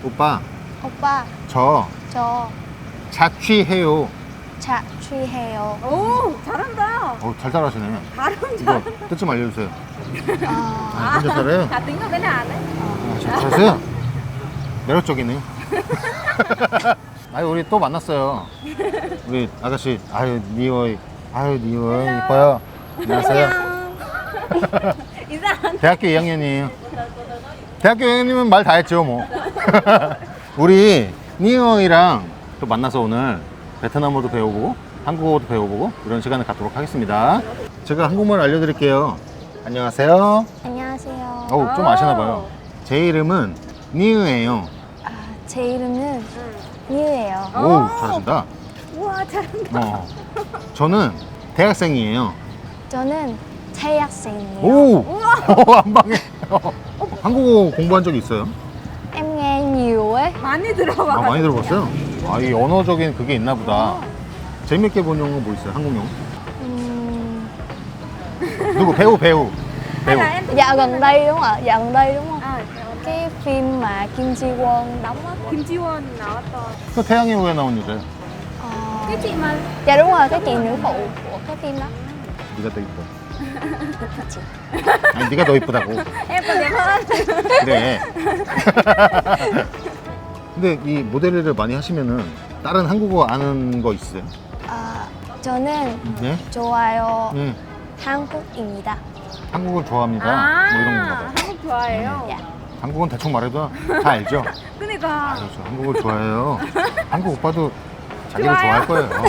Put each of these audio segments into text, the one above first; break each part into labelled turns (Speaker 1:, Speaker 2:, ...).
Speaker 1: 오빠,
Speaker 2: 오빠,
Speaker 1: 저
Speaker 2: 저
Speaker 1: 자취해요.
Speaker 2: 자취해요.
Speaker 3: 오, 잘한다.
Speaker 1: 잘 따라하시네.
Speaker 3: 발음
Speaker 1: 이거
Speaker 3: 잘.
Speaker 1: 뜻 좀 알려주세요.
Speaker 2: 아,
Speaker 1: 혼자 살아요?
Speaker 3: 다 tính cái nào đấy.
Speaker 1: 잘 살았어요? 매력적이네. 아유, 우리 또 만났어요. 우리 아가씨, 아유, 니오이. 아유, 니오이. 이뻐요. 안녕하세요.
Speaker 3: 인사.
Speaker 1: 대학교 2학년이에요. 대학교 2학년이면 말 다 했죠, 뭐. 우리 니오이랑 또 만나서 오늘 베트남어도 배워보고 한국어도 배워보고 이런 시간을 갖도록 하겠습니다. 제가 한국말 알려드릴게요. 안녕하세요.
Speaker 2: 안녕하세요.
Speaker 1: 어우, 좀 아시나봐요. 제 이름은 니으예요.
Speaker 2: 아, 제 이름은 니우예요.
Speaker 1: 오, 잘하신다.
Speaker 3: 우와, 잘한다.
Speaker 1: 저는 대학생이에요.
Speaker 2: 저는 대학생이에요.
Speaker 1: 오! 한 방에. 한국어 공부한 적 있어요?
Speaker 2: Em nghe nhiều ấy.
Speaker 3: 많이 들어봐.
Speaker 1: 아, 많이 들어봤어요? 아, 이 언어적인 그게 있나 보다. 재밌게 본 영화 뭐 있어요? 한국 영화? 누구? 배우.
Speaker 3: Hay là em
Speaker 2: Dạo gần đây đúng không ạ? Dạo gần đây đúng không?
Speaker 3: à,
Speaker 2: Cái phim mà Kim Ji Won đóng á.
Speaker 3: Kim Ji Won 나왔던
Speaker 1: 그 태양의 후예 나온 여자요.
Speaker 2: Ờ,
Speaker 3: cái chị mà
Speaker 2: Dạ đúng rồi, cái chị nữ phụ của cái phim đó.
Speaker 1: 네가 더 이뻐. 아니, 네가 더 이쁘다고.
Speaker 3: em còn đẹp hơn.
Speaker 1: 그래. 근데 이 모델 일을 많이 하시면은 다른 한국어 아는 거 있어요?
Speaker 2: 아, 저는
Speaker 1: 네?
Speaker 2: 좋아요
Speaker 1: 네.
Speaker 2: 한국입니다.
Speaker 1: 한국을 좋아합니다.
Speaker 3: 아,
Speaker 1: 뭐 이런 건가 봐요.
Speaker 3: 한국 좋아해요.
Speaker 2: 야.
Speaker 1: 한국은 대충 말해도 다 알죠?
Speaker 3: 그러니까
Speaker 1: 저 한국을 좋아해요. 한국 오빠도 자기를
Speaker 3: 좋아요.
Speaker 1: 좋아할 거예요.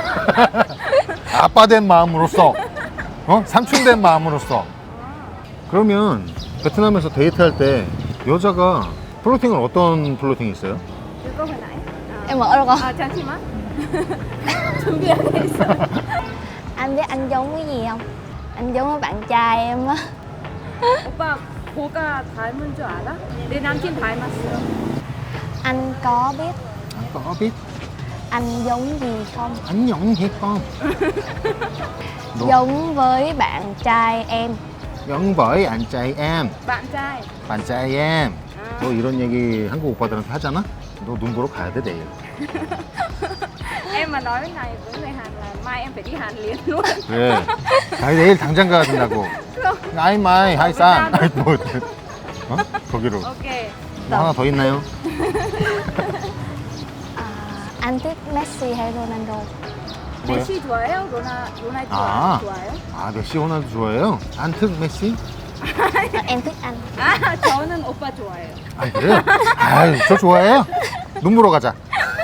Speaker 1: 아빠 된 마음으로써, 삼촌 된 마음으로써. 그러면 베트남에서 데이트할 때 여자가 플로팅은 어떤 플로팅이 있어요?
Speaker 3: 그거 hồi nãy.
Speaker 2: Em mở được không?
Speaker 3: 아, 잠시만. 준비하고 있어.
Speaker 2: Anh biết anh giống cái gì không? Anh giống với bạn trai em á.
Speaker 3: 오빠 뭐가 닮은 줄 알아? 내 남친 닮았어.
Speaker 2: Anh có biết
Speaker 1: có biết.
Speaker 2: anh giống gì không?
Speaker 1: Anh giống hết con. Đúng.
Speaker 2: Giống với bạn trai em.
Speaker 1: giống với anh trai em.
Speaker 3: bạn trai.
Speaker 1: bạn trai em.
Speaker 3: 아.
Speaker 1: 너 이런 얘기 한국 오빠들한테 하잖아? 너 눈 보러 가야 돼, 내일.
Speaker 3: Em mà nói cái này với người Hàn là mai em phải đi Hàn liền luôn.
Speaker 1: 그래. 아니, 내일 당장 가야 된다고. 아이, 마이, 하이산. 아이, 뭐, 거기로.
Speaker 3: Ok.
Speaker 1: 뭐 하나 더 있나요?
Speaker 2: À, anh thích Messi hay Ronaldo?
Speaker 1: 뭐요?
Speaker 3: 메시 좋아해요? 로나ल्도
Speaker 1: 아.
Speaker 3: 좋아해요?
Speaker 1: 아, 메시 호날두 좋아해요? 안특 메시?
Speaker 2: À, em thích anh.
Speaker 3: 아, 저는 오빠 좋아해요.
Speaker 1: 아, 그래요? 아유, 저 좋아해요? 눈 보러 가자.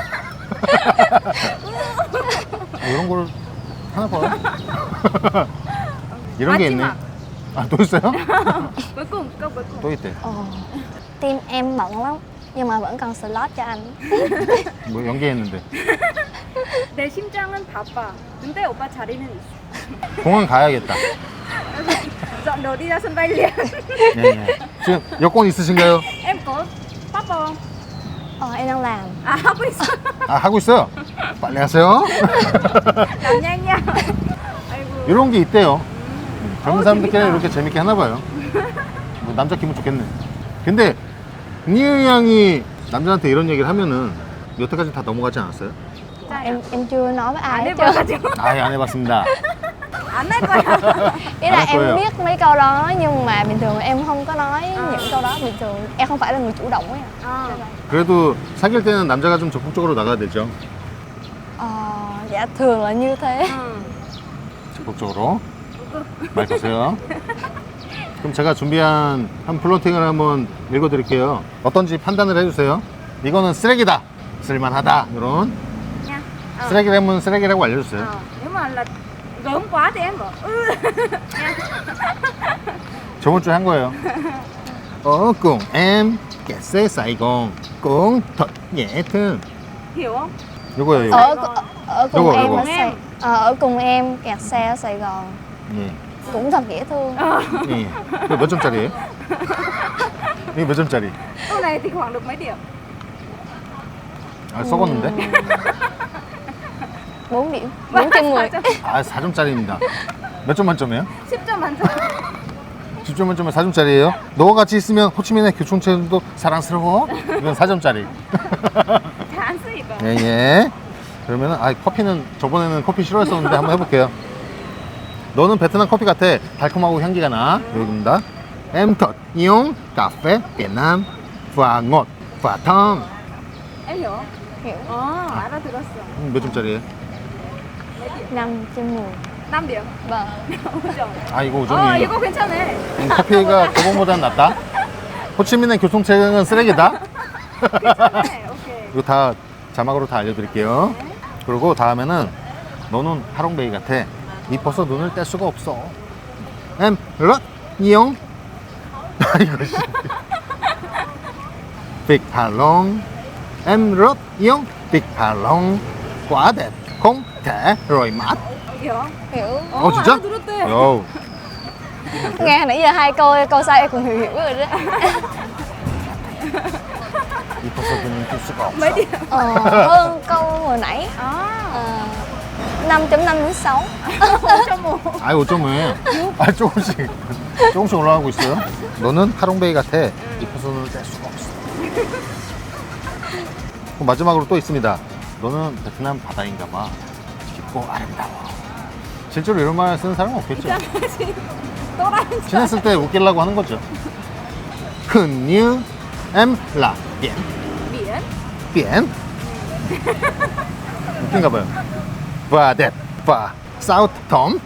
Speaker 1: 이런 걸 하나 봐요. 이런 게 있네.
Speaker 3: 마지막.
Speaker 1: 아, 또 있어요?
Speaker 3: cuối cùng, câu cuối cùng.
Speaker 1: 또 있대.
Speaker 2: Ồ, team em bận lắm nhưng mà vẫn còn slot cho anh.
Speaker 1: 뭐 연기했는데.
Speaker 3: 내 심장은 바빠. 근데 오빠 자리는 있어.
Speaker 1: 공항 가야겠다.
Speaker 3: dọn đồ đi ra sân bay liền.
Speaker 1: 네, 네. 지금 여권 있으신가요?
Speaker 3: Em có passport.
Speaker 2: Ờ, em đang làm.
Speaker 3: 아, 하고 있어.
Speaker 1: 아, 하고 있어요. 빨리 하세요.
Speaker 3: làm nhanh nha. 아이고.
Speaker 1: 이런 게 있대요. 젊은 사람들끼리
Speaker 3: 재밌다.
Speaker 1: 이렇게 재밌게 하나 봐요. 뭐 남자 기분 좋겠네. 근데 니은 양이 남자한테 이런 얘기를 하면은 여태까지 다 넘어가지 않았어요?
Speaker 2: Em chưa nói với ai
Speaker 3: 안
Speaker 2: hết trơn.
Speaker 3: 해봐가지고.
Speaker 1: 아예 안 해봤습니다.
Speaker 3: 안 할 거야.
Speaker 2: Ý là
Speaker 1: Nói
Speaker 2: em
Speaker 1: tôi à?
Speaker 2: biết mấy câu đó nhưng mà bình thường em không có nói những câu đó. Bình thường em không phải là người chủ động ấy.
Speaker 3: 어.
Speaker 1: 그래도 사귈 때는 남자가 좀 적극적으로 나가야 되죠.
Speaker 2: Ờ, dạ thường là như thế.
Speaker 3: 응.
Speaker 1: 적극적으로 말 거세요. 그럼 제가 준비한 한 플로팅을 한번 읽어드릴게요. 어떤지 판단을 해주세요. 이거는 쓰레기다, 쓸만하다, 이런
Speaker 3: Nha. Ờ.
Speaker 1: 쓰레기라면 쓰레기라고 알려주세요.
Speaker 3: Ờ. Nếu mà là gớm quá thì em bảo nha.
Speaker 1: 저번 주에 한 거예요. cùng em kẹt xe Sài Gòn cũng thật dễ thương.
Speaker 3: Hiểu không?
Speaker 1: 요거예요,
Speaker 2: Ở
Speaker 1: 요거.
Speaker 2: ở cùng
Speaker 1: Đúng rồi,
Speaker 2: em
Speaker 1: đúng
Speaker 2: ở
Speaker 1: rồi.
Speaker 2: Sài ở cùng em kẹt xe ở Sài Gòn
Speaker 1: 예.
Speaker 2: cũng thật dễ thương.
Speaker 1: 예. 이거 몇 점짜리예요? 이거 몇 점짜리?
Speaker 3: Câu này thì khoảng được mấy điểm?
Speaker 1: 아, 썩었는데?
Speaker 2: 4 điểm, 4 trên 10.
Speaker 1: 아, 4점짜리입니다. 몇 점 만점이에요?
Speaker 3: 10점 만점.
Speaker 1: 10점 만점에 4점짜리예요. 너와 같이 있으면 호치민의 교통체도 사랑스러워. 이건 4점짜리.
Speaker 3: Thán gì vậy?
Speaker 1: 예, 예. 그러면은 커피는 저번에는 커피 싫어했었는데 한번 해볼게요. 너는 베트남 커피 같아. 달콤하고 향기가 나. 여기입니다. Em thật yêu cà phê Việt Nam và ngọt và thơm.
Speaker 3: Em hiểu không?
Speaker 2: Hiểu.
Speaker 3: Đã 들었어.
Speaker 1: 몇 점짜리예요?
Speaker 2: 5/10.
Speaker 3: 5 điểm.
Speaker 2: Vâng.
Speaker 3: 5점.
Speaker 1: 이거 5점이에요.
Speaker 3: 이거 괜찮네.
Speaker 1: 커피가 저번보다는 낫다. 호치민의 교통체증은 쓰레기다.
Speaker 3: 괜찮네. 오케이.
Speaker 1: 이거 다 자막으로 다 알려드릴게요. 그리고 다음에는 너는 하롱베이 같아. 이뻐서 눈을 뗄 수가 없어. Em rất yêu. 이거 씨. Việt Hà Long. Em rất yêu Việt Hà Long. Quá đẹp, không thể rời mắt.
Speaker 3: Hiểu không?
Speaker 2: Hiểu.
Speaker 1: 진짜?
Speaker 3: 들었대.
Speaker 1: 요.
Speaker 2: Nghe nãy giờ hai câu sau em cũng hiểu rồi đó.
Speaker 1: 이뻐서 눈을 뗄 수가 없어.
Speaker 3: Mấy điểm?
Speaker 2: Hơn câu hồi nãy.
Speaker 3: 아.
Speaker 2: 5.5 đến 6.
Speaker 3: 5.5.
Speaker 1: 5점을 조금씩 올라가고 있어요. 너는 하롱베이 같아. 이뻐서 눈을 뗄 수가 없어. 그럼 마지막으로 또 있습니다. 너는 베트남 바다인가 봐. 깊고 아름다워. 실제로 이런 말 쓰는 사람은 없겠죠.
Speaker 3: 또라이.
Speaker 1: 친했을 때 웃기려고 하는 거죠. Hình như em là biển.
Speaker 3: Biển.
Speaker 1: biển. 웃긴가 봐요. và đẹp và sao thơm.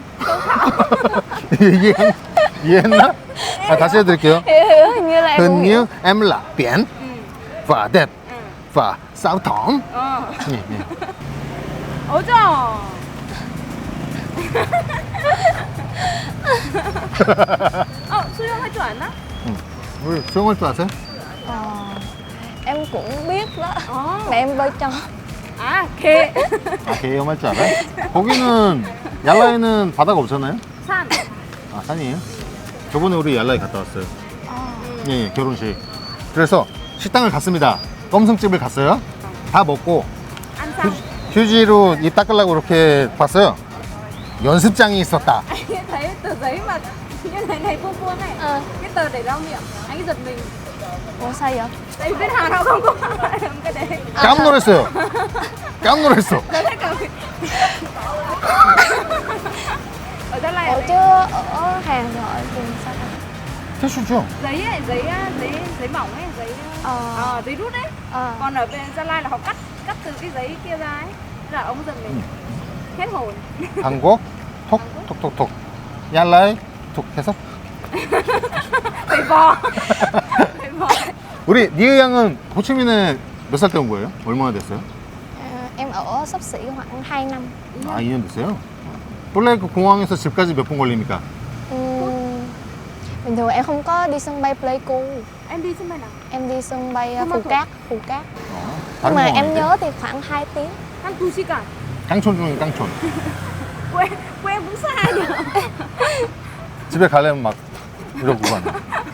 Speaker 1: 이해했나? 다시 해드릴게요.
Speaker 2: Hiểu, hình như là em cũng
Speaker 1: Hình
Speaker 2: hiểu.
Speaker 1: như em là biển và đẹp và sao thơm. 예, 예.
Speaker 3: 5점. 수영 할 줄 아나?
Speaker 1: 우리 수영할 줄 아세요?
Speaker 2: Em cũng biết đó.
Speaker 3: 어.
Speaker 2: Mẹ em bơi cho.
Speaker 3: 아, 개.
Speaker 1: 개엄 할 줄 알아요? 거기는 얄라이는 바다가 없잖아요?
Speaker 3: 산.
Speaker 1: 산이에요? 저번에 우리 얄라이 갔다 왔어요. 예, 결혼식. 그래서 식당을 갔습니다. 껌승집을 갔어요. 다 먹고
Speaker 3: 안산.
Speaker 1: 휴지로 입 닦으려고 이렇게 봤어요. 연습장이 있었다.
Speaker 3: Anh thấy tờ giấy mà như này vuông vuông này. Cái tờ để lau miệng. Anh ấy giật mình.
Speaker 2: Ủa sao vậy?
Speaker 3: Tại vì bên Hàn họ không có làm cái đấy.
Speaker 1: 깜놀했어요. 깜놀했어.
Speaker 3: Nó thấy cả ở Gia Lai.
Speaker 2: Ủa chứ ở Hàn rồi ở vùng sao?
Speaker 1: 티슈죠?
Speaker 3: Giấy ấy, giấy mỏng ấy, giấy rút ấy. Còn ở bên Gia Lai là họ cắt từ cái giấy kia ra ấy. Thế là ông giật mình. Hết hồn.
Speaker 1: 한국 톡톡톡톡 얄라이 톡 해서
Speaker 3: Phải bò. Phải bò.
Speaker 1: 우리 니으 양은 호치민에 몇 살 때 온 거예요? 얼마나 됐어요?
Speaker 2: Em ở xấp xỉ khoảng 2 năm.
Speaker 1: 2년 됐어요? 원래 그 공항에서 집까지 몇 분 걸립니까?
Speaker 2: Bình thường em không có đi sân bay Pleiku.
Speaker 3: Em đi sân bay nào?
Speaker 2: Em đi sân bay
Speaker 3: Không
Speaker 2: Phú
Speaker 3: bao
Speaker 2: Cát. Nhưng
Speaker 1: 다른
Speaker 2: mà em
Speaker 1: 공항인데?
Speaker 2: nhớ thì khoảng 2 tiếng.
Speaker 3: 한 2시간.
Speaker 1: 깡촌 중에 깡촌.
Speaker 3: quê cũng xa nhỉ.
Speaker 1: 집에 가려면 막 이러고 가네.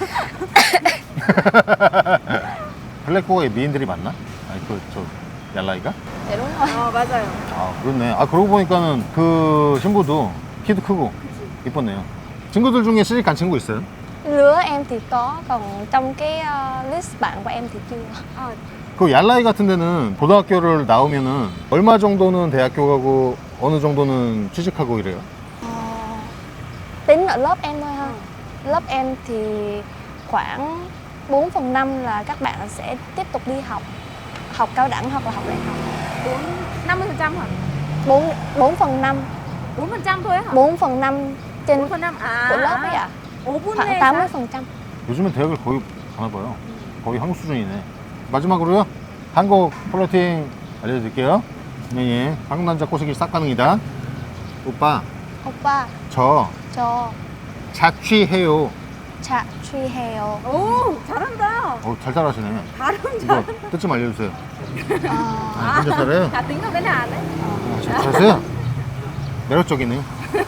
Speaker 1: 블랙호에 미인들이 많나? 아니 저 얄라이가?
Speaker 2: Dạ đúng rồi.
Speaker 3: 맞아요.
Speaker 1: 아 그렇네. 그러고 보니까는 그 신부도 키도 크고 이뻤네요. 친구들 중에 시집 간 친구 있어요?
Speaker 2: Lứa em thì có, còn trong cái list bạn của em thì chưa.
Speaker 1: 그 얄라이 같은 데는 고등학교를 나오면은 얼마 정도는 대학교 가고 어느 정도는 취직하고 이래요?
Speaker 2: Tính ở lớp em thôi ha. Lớp em thì khoảng 4/5 là các bạn sẽ tiếp tục đi học. Học cao đẳng hoặc là học đại học.
Speaker 3: 50% hả?
Speaker 2: 4/5.
Speaker 3: 4% thôi hả?
Speaker 2: 4/5 trên
Speaker 3: 4%.
Speaker 2: của lớp ấy ạ.
Speaker 3: 5분의
Speaker 2: khoảng 80%.
Speaker 1: 요즘엔 대학을 거의 가나 봐요. 거의 한국 수준이네. 마지막으로요. 한국 플로팅 알려드릴게요. 네, 예. 한국 남자 꼬시기 싹 가능이다. 오빠,
Speaker 2: Oppa
Speaker 1: 저
Speaker 2: cho
Speaker 1: 자취해요.
Speaker 2: 자취해요.
Speaker 3: 오, 잘한다.
Speaker 1: 잘 따라하시네.
Speaker 3: 발음
Speaker 1: 이거
Speaker 3: 잘.
Speaker 1: 뜻 좀 알려주세요.
Speaker 2: À,
Speaker 1: 혼자 잘해요?
Speaker 3: 다 tính ở bên Hàn đấy.
Speaker 1: 잘하세요? 매력적이네요.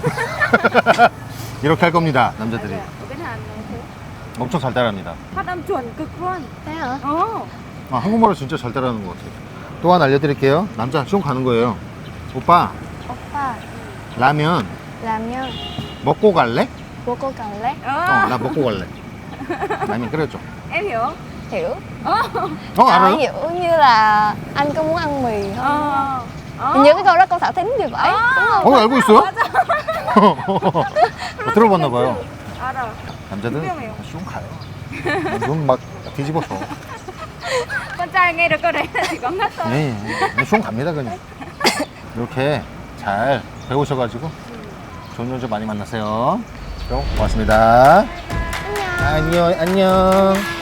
Speaker 1: 이렇게 할 겁니다, 남자들이.
Speaker 3: Ở bên Hàn này thế.
Speaker 1: 엄청 잘 따라합니다.
Speaker 3: Phát âm chuẩn cực luôn.
Speaker 2: thế hả?
Speaker 3: Ồ.
Speaker 1: 한국말을 진짜 잘 따라하는 것 같아요. 또 하나 알려드릴게요. 남자 시험 가는 거예요. 오빠,
Speaker 2: Oppa
Speaker 1: 라면
Speaker 2: làm nhân
Speaker 1: 먹고 갈래?
Speaker 2: Bố cô cần lát.
Speaker 1: 나 먹고 갈래. 라면 끓여줘.
Speaker 3: Em hiểu không?
Speaker 2: Hiểu.
Speaker 1: 알아요?
Speaker 2: Hiểu như là anh có muốn ăn mì không?
Speaker 3: Ờ.
Speaker 2: Hình như cái câu đó câu Thảo Thính thì phải. Đúng không?
Speaker 1: 알고 있어요? 들어봤나 봐요.
Speaker 3: 알아.
Speaker 1: 남자들은
Speaker 3: 분명해요.
Speaker 1: 쉬운 가요. 눈 막 뒤집어서.
Speaker 3: Con trai nghe được câu đấy là chỉ có ngất thôi.
Speaker 1: 네, 쉬운 갑니다 그냥. 이렇게 잘 배우셔가지고 좋은 여자 많이 만나세요. 그럼 고맙습니다. 안녕. 안녕.